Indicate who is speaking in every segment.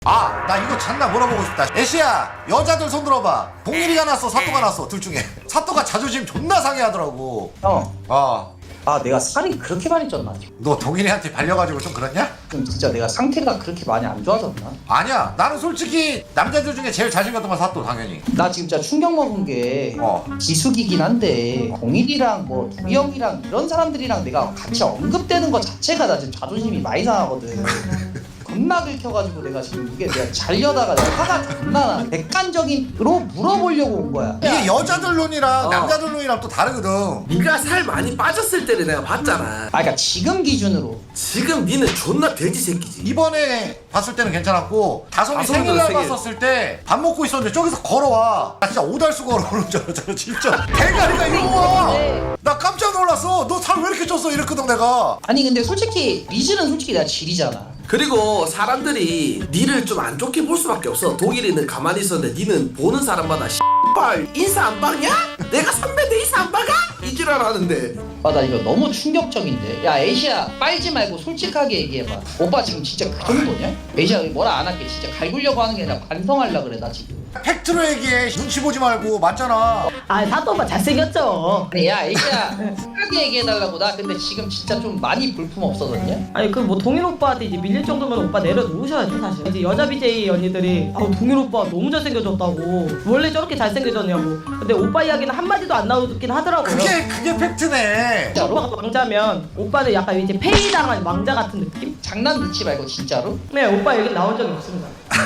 Speaker 1: 아, 나 이거 잔나 물어보고 싶다. 애쉬야, 여자들 손 들어봐. 동일이가 났어, 사또가 났어, 둘 중에. 사또가 자존심 존나 상해하더라고.
Speaker 2: 형. 내가 살이 그렇게 많이 쪘나?
Speaker 1: 너 동일이한테 발려가지고 좀 그랬냐?
Speaker 2: 좀 진짜 내가 상태가 그렇게 많이 안 좋아졌나?
Speaker 1: 아니야, 나는 솔직히 남자들 중에 제일 잘생겼던 건 사또, 당연히.
Speaker 2: 나 지금 진짜 충격 먹은 게 기숙이긴 한데 공일이랑 뭐 두영이랑 이런 사람들이랑 내가 같이 언급되는 것 자체가 나 지금 자존심이 많이 상하거든. 겁나 긁혀가지고 내가 지금 이게 내가 잘려다가 내가 화가 존나 나. 객관적인으로 물어보려고 온 거야.
Speaker 1: 이게 여자들 눈이랑 남자들 눈이랑 또 다르거든.
Speaker 3: 네가 살 많이 빠졌을 때를 내가 봤잖아.
Speaker 2: 그러니까 지금 기준으로
Speaker 3: 지금 니는 존나 돼지 새끼지.
Speaker 1: 이번에 봤을 때는 괜찮았고, 다솜이
Speaker 3: 다솜이도
Speaker 1: 생일날
Speaker 3: 생일.
Speaker 1: 봤었을 때 밥 먹고 있었는데 저기서 걸어와. 나 진짜 오달수 걸어오는 줄 알았잖아, 진짜. 대가리가 이러고 와. 나 깜짝 놀랐어. 너 살 왜 이렇게 쪘어? 이랬거든, 내가.
Speaker 2: 아니 근데 솔직히 리즈는 솔직히 내가 질이잖아.
Speaker 3: 그리고 사람들이 니를 좀 안 좋게 볼 수밖에 없어. 독일이는 가만히 있었는데 니는 보는 사람마다 씨발 인사 안 박냐? 내가 선배인데 인사 안 박아? 이지랄 하는데.
Speaker 2: 나 이거 너무 충격적인데. 야 에이시야 빨지 말고 솔직하게 얘기해봐. 오빠 지금 진짜 그 정도냐? 에이시야 뭐라 안 할게. 진짜 갈구려고 하는 게 아니라 반성하려고 그래 나 지금.
Speaker 1: 팩트로 얘기해. 눈치 보지 말고. 맞잖아.
Speaker 4: 아, 사또 오빠 잘생겼죠?
Speaker 2: 아니 야 에이시야 솔직하게 얘기해달라고. 나 근데 지금 진짜 좀 많이 볼품 없어졌냐?
Speaker 4: 아니, 그 뭐 동일 오빠한테 이제 밀릴 정도면 오빠 내려놓으셔야죠, 사실. 이제 여자 BJ 언니들이 동일 오빠 너무 잘생겨졌다고. 원래 저렇게 잘생겨졌냐고. 근데 오빠 이야기는 한마디도 안 나오긴 하더라고요.
Speaker 1: 그게 팩트네.
Speaker 2: 진짜로?
Speaker 4: 오빠가 왕자면 오빠는 약간 이제 페이당한 왕자 같은 느낌?
Speaker 2: 장난 넣지 말고 진짜로?
Speaker 4: 네, 오빠 얘기 나온 적이 없습니다.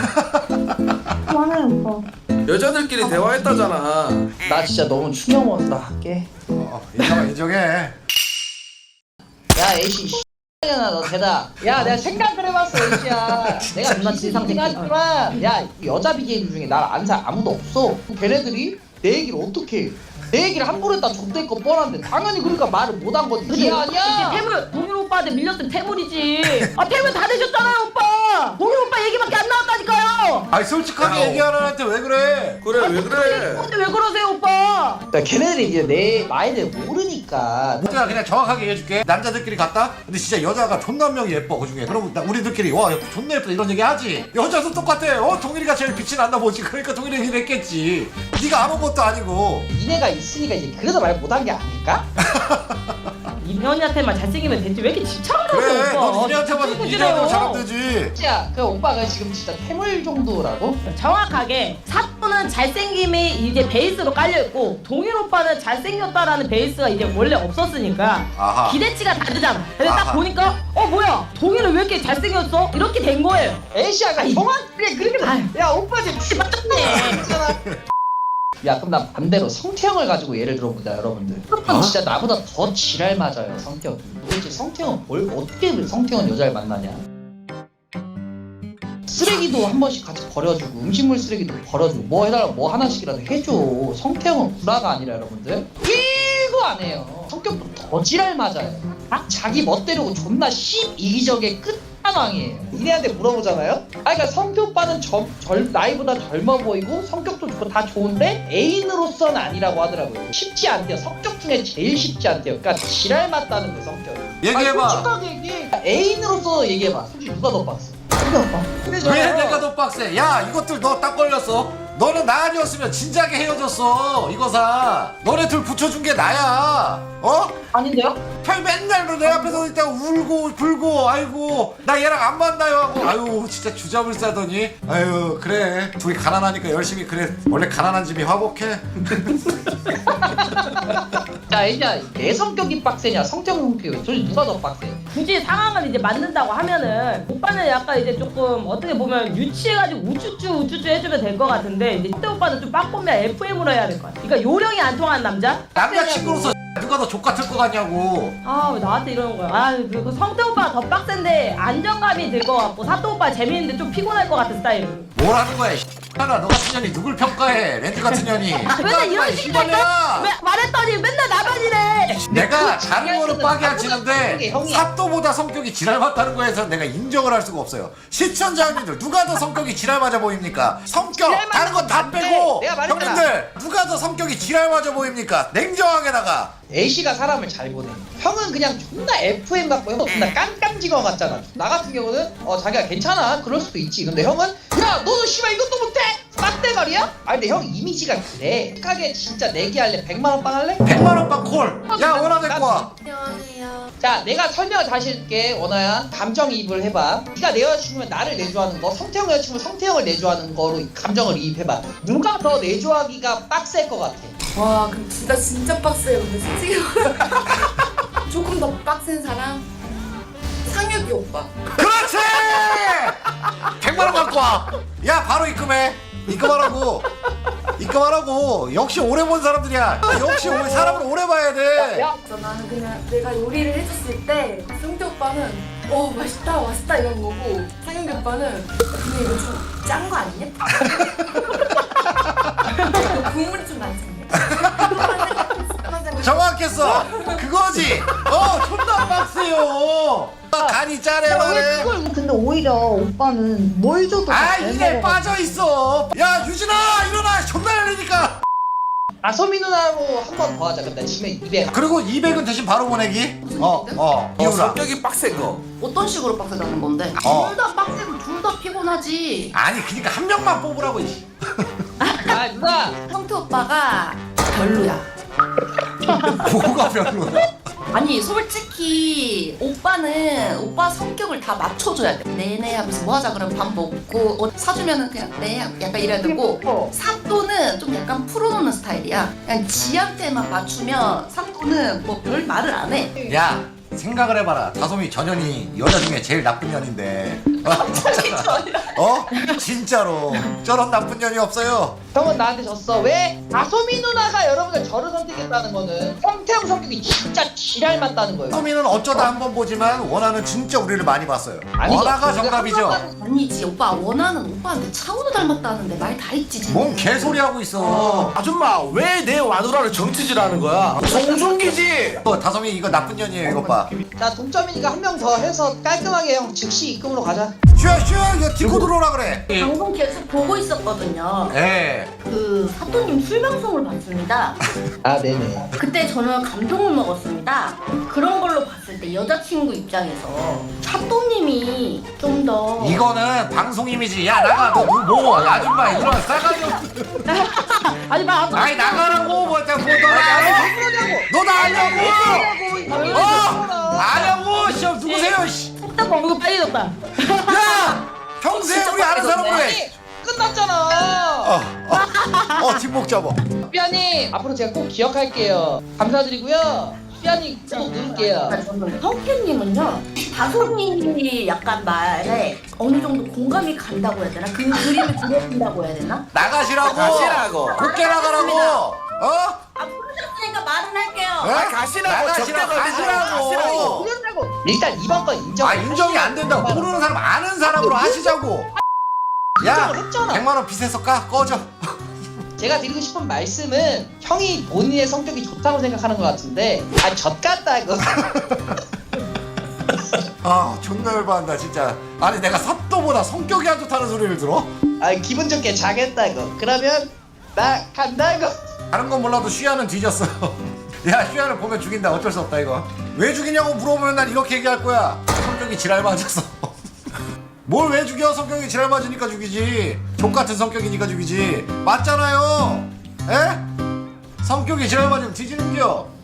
Speaker 5: 그만해 오빠.
Speaker 3: 여자들끼리 대화했다잖아.
Speaker 2: 나 진짜 너무 충격 먹었어. 나 할게.
Speaker 1: 인정해.
Speaker 2: 야 에이시 야, 너 대다. 야 내가 생각을 해봤어 에이시야. 내가
Speaker 4: 존나 진상 새끼.
Speaker 2: 하지만 야 여자 BJ들 중에 날 아는 사람 아무도 없어. 걔네들이 내 얘기를 어떻게 해? 내 얘기를 함부로 했다 족될 거 뻔한데 당연히 그러니까 말을 못 한 거지. 이해 아니야?
Speaker 4: 이제 태물, 동일 오빠한테 밀렸으면 태물이지. 태물 다 되셨잖아요, 오빠. 동일 오빠 얘기밖에 안 나왔다니까요.
Speaker 1: 아니, 솔직하게
Speaker 3: 야,
Speaker 1: 얘기하는 애한테 왜 그래?
Speaker 3: 그래 왜 그래?
Speaker 4: 근데 왜 그러세요, 오빠?
Speaker 2: 그러니까 걔네들이 이제 내 마인드를 모르니까.
Speaker 1: 내가 그냥 정확하게 얘기해줄게. 남자들끼리 갔다? 근데 진짜 여자가 존나 한 명이 예뻐, 그 중에. 그럼 우리들끼리, 와, 존나 예쁘다, 이런 얘기 하지. 여자도 똑같아. 동일이가 제일 빛이 난다 보지. 그러니까 동일이 얘기를 했겠지. 네가 아는 것도 아니고.
Speaker 2: 니네가 있으니까 이제 그래서 말 못 한 게 아닐까?
Speaker 4: 이현이한테만 잘생기면 되지. 왜 이렇게 집착을
Speaker 1: 그래,
Speaker 4: 하세요, 오빠?
Speaker 1: 넌 이래한테만 이래한테만 잘하면 되지.
Speaker 2: 야, 그 오빠가 지금 진짜 태물 정도라고?
Speaker 4: 정확하게 사또는 잘생김이 이제 베이스로 깔려있고 동일 오빠는 잘생겼다라는 베이스가 이제 원래 없었으니까
Speaker 1: 아하.
Speaker 4: 기대치가 다르잖아. 근데 딱
Speaker 1: 아하.
Speaker 4: 보니까 뭐야 동일은 왜 이렇게 잘생겼어? 이렇게 된 거예요.
Speaker 2: 에이시아가
Speaker 4: 아니.
Speaker 2: 정확하게 그렇게
Speaker 4: 아유.
Speaker 2: 야 오빠 지금
Speaker 4: 맞네.
Speaker 2: 있잖아. 야 그럼 나 반대로 성태형을 가지고 예를 들어보자 여러분들. 성태형 진짜 나보다 더 지랄 맞아요 성격이. 도대체 성태형은 어떻게 성태형은 여자를 만나냐? 쓰레기도 한 번씩 같이 버려주고 음식물 쓰레기도 버려주고 뭐 해달라고 뭐 하나씩이라도 해줘. 성태형은 구라가 아니라 여러분들 1도 안 해요. 성격도 더 지랄 맞아요. 자기 멋대로고 존나 이기적의 끝판왕이에요. 니네한테 물어보잖아요? 그러니까 성태 오빠는 나이보다 젊어 보이고 성격도 좋고 다 좋은데 애인으로서는 아니라고 하더라고요. 쉽지 않대요. 성격 중에 제일 쉽지 않대요. 그러니까 지랄 맞다는 거예요 성격이.
Speaker 1: 얘기해봐.
Speaker 2: 솔직하게 얘기해. 애인으로서 얘기해봐. 솔직히 누가 더 빡세? 성태 오빠.
Speaker 1: 왜 내가 더 빡세? 야, 이것들 너 딱 걸렸어. 너는 나 아니었으면 진작에 헤어졌어. 이거사. 너네 둘 붙여준 게 나야.
Speaker 4: 아닌데요?
Speaker 1: 팔 맨날 내 앞에서 있다가 울고 불고, 아이고 나 얘랑 안 만나요 하고, 아유 진짜 주잡을 싸더니, 아유 그래 둘이 가난하니까 열심히. 그래 원래 가난한 집이 화목해.
Speaker 2: 자 이제 내 성격이 빡세냐 성태형 성격이 솔직히 누가 더 빡세?
Speaker 4: 굳이 상황을 이제 만든다고 하면은 오빠는 약간 이제 조금 어떻게 보면 유치해가지고 우쭈쭈 해주면 될 것 같은데 이제 성태 오빠는 좀 빠꾸면 FM으로 해야 될 것 같아. 그러니까 요령이 안 통하는 남자?
Speaker 1: 남자친구로서 누가 더 족같을 것 같냐고.
Speaker 4: 왜 나한테 이러는 거야? 그 성태 오빠가 더 빡센데 안정감이 들 것 같고 사또 오빠 재밌는데 좀 피곤할 것 같은 스타일은.
Speaker 1: 뭘 하는 거야. 하나 너 같은 년이 누굴 평가해? 렌즈 같은 년이.
Speaker 4: 맨날 이런 식이니까 말했더니 맨날 나만이래.
Speaker 1: 내가
Speaker 2: 그
Speaker 1: 다른 거는 빠게 안
Speaker 2: 성격이
Speaker 1: 치는데
Speaker 2: 형이야.
Speaker 1: 사또보다 성격이 지랄 맞다는 거에서 내가 인정을 할 수가 없어요. 시청자님들 누가 더 성격이 지랄 맞아 보입니까? 성격
Speaker 2: 지랄
Speaker 1: 다른 거 다
Speaker 2: 맞는
Speaker 1: 빼고
Speaker 2: 건데, 내가 말했잖아.
Speaker 1: 형님들 누가 더 성격이 지랄 맞아 보입니까? 냉정하게 나가.
Speaker 2: A씨가 사람을 잘 보내. 형은 그냥 존나 FM 같고 형 존나 깜깜지거 같잖아. 나 같은 경우는 자기가 괜찮아 그럴 수도 있지. 근데 형은 야 너는 씨발 이것도 못해 빡대가리야? 아니 근데 형 이미지가 그래. 착하게 진짜 내기할래? 100만원 빵 할래?
Speaker 1: 100만원 빵 콜. 야 원하 데리고 와.
Speaker 5: 안녕하세요.
Speaker 2: 자 내가 설명을 다시 해줄게. 원아야 감정이입을 해봐. 네가 내 여자친구면 나를 내조하는 거, 성태형 여자친구 성태형을 내조하는 거로 감정을 이입해봐. 누가 더 내조하기가 빡셀 것 같아?
Speaker 5: 와, 그럼 진짜 빡세요. 근데 솔직히 조금 더 빡센 사람 상혁이 오빠.
Speaker 1: 그렇지. 100만원 갖고 와. 야 바로 입금해. 입금하라고. 입금하라고. 역시 오래 본 사람들이야. 역시 사람을 오래 봐야 돼.
Speaker 5: 그래서 나는 그냥 내가 요리를 해줬을 때 성태 오빠는 맛있다 맛있다 이런 거고 상혁이 오빠는 근데 이거 좀 짠 거 아니냐? 국물이 좀 많지 않냐?
Speaker 1: 정확했어. 그거지. 존나 빡세요. 간이 짜네 말해.
Speaker 6: 근데 오히려 오빠는 뭘 줘도
Speaker 1: 아
Speaker 6: 잘
Speaker 1: 이게
Speaker 6: 먹어.
Speaker 1: 빠져 있어. 야 유진아 일어나. 존나 열리니까.
Speaker 2: 아소미 누나로 한 번 더 하자. 근데 지면 200.
Speaker 1: 그리고 200은 대신 바로 보내기. 이유라.
Speaker 3: 성격이 빡센 거.
Speaker 7: 어떤 식으로 빡세다는 건데?
Speaker 1: 어.
Speaker 7: 둘 다 빡세고 둘 다 피곤하지.
Speaker 1: 아니 그니까 한 명만 뽑으라고.
Speaker 2: 아 누나.
Speaker 5: 성태 오빠가 별로야.
Speaker 1: 뭐가 별로야?
Speaker 7: 아니 솔직히 오빠는 오빠 성격을 다 맞춰줘야 돼. 네네 하면서 뭐 하자 그러면 밥 먹고 사주면은 그냥 네 약간 이래야 되고 사또는 좀 약간 풀어놓는 스타일이야. 그냥 지한테만 맞추면 사또는 뭐 별 말을 안 해.
Speaker 1: 야 생각을 해봐라. 다솜이 전현이 여자 중에 제일 나쁜 년인데. 진짜로 저런 나쁜 년이 없어요.
Speaker 2: 형은 나한테 졌어. 왜? 아소미 누나가 여러분들 저를 선택했다는 거는 성태형 성격이 진짜 지랄 맞다는 거예요.
Speaker 1: 다솜이는 어쩌다 한 번 보지만 원하는 진짜 우리를 많이 봤어요.
Speaker 2: 아니죠.
Speaker 1: 원하가 정답이죠.
Speaker 7: 아니지 오빠 원하는 오빠한테 차은우 닮았다는데 말 다 했지 지금.
Speaker 1: 뭔 개소리 하고 있어.
Speaker 3: 아줌마 왜 내 와누라를 정치질하는 거야? 송중기지.
Speaker 1: 다솜이 이거 나쁜 년이에요. 이거 봐.
Speaker 2: 자 동점이니까 한 명 더 해서 깔끔하게 형 즉시 입금으로 가자.
Speaker 1: 슈야 이거 딛고 들어오라 그래.
Speaker 7: 방송 계속 보고 있었거든요.
Speaker 1: 예.
Speaker 7: 그 사또님 술 방송을 봤습니다.
Speaker 2: 아 네네.
Speaker 7: 그때 저는 감동을 먹었습니다. 그런 걸로 봤을 때 여자친구 입장에서 사또님이 좀 더
Speaker 1: 이거는 방송 이미지. 야 나가. 너 아줌마 이런 싸가지 없는.
Speaker 4: 아니 막
Speaker 1: 아이 나가라고. 뭐 너나 아냐고. 아냐고. 시험 누구세요? 씨.
Speaker 4: 딱 먹고 빨개졌다.
Speaker 1: 야 평소에 우리 아는 사람으로 해.
Speaker 2: 아니 끝났잖아.
Speaker 1: 뒷목 잡아.
Speaker 2: 삐아님 앞으로 제가 꼭 기억할게요. 감사드리고요. 삐아님 꼭 누를게요.
Speaker 7: 성태님은요 다솜님이 약간 말에 어느 정도 공감이 간다고 해야 되나? 그 그림을 그려준다고 해야 되나?
Speaker 1: 나가시라고.
Speaker 3: 가시라고.
Speaker 1: 곱게 나가라고.
Speaker 7: 아 부르셨으니까 말은 할게요.
Speaker 3: 가시라고.
Speaker 1: 나가시라고. 가시라고.
Speaker 2: 일단 이번 건 인정.
Speaker 1: 인정이 안 된다고. 모르는 사람 아는 사람으로 하시자고. 야
Speaker 2: 인정을 했잖아.
Speaker 1: 100만원 빚에서 꺼져.
Speaker 2: 제가 드리고 싶은 말씀은 형이 본인의 성격이 좋다고 생각하는 것 같은데 젖같다고.
Speaker 1: 존나 열받는다 진짜. 아니 내가 사또보다 성격이 안 좋다는 소리를 들어?
Speaker 2: 기분 좋게 자겠다고. 그러면 나 간다고.
Speaker 1: 다른 건 몰라도 슈야는 뒤졌어. 야 슈야를 보면 죽인다. 어쩔 수 없다 이거. 왜 죽이냐고 물어보면 난 이렇게 얘기할 거야. 성격이 지랄 맞았어. 뭘 왜 죽여? 성격이 지랄 맞으니까 죽이지. 족같은 성격이니까 죽이지. 맞잖아요. 에? 성격이 지랄 맞으면 뒤지는겨.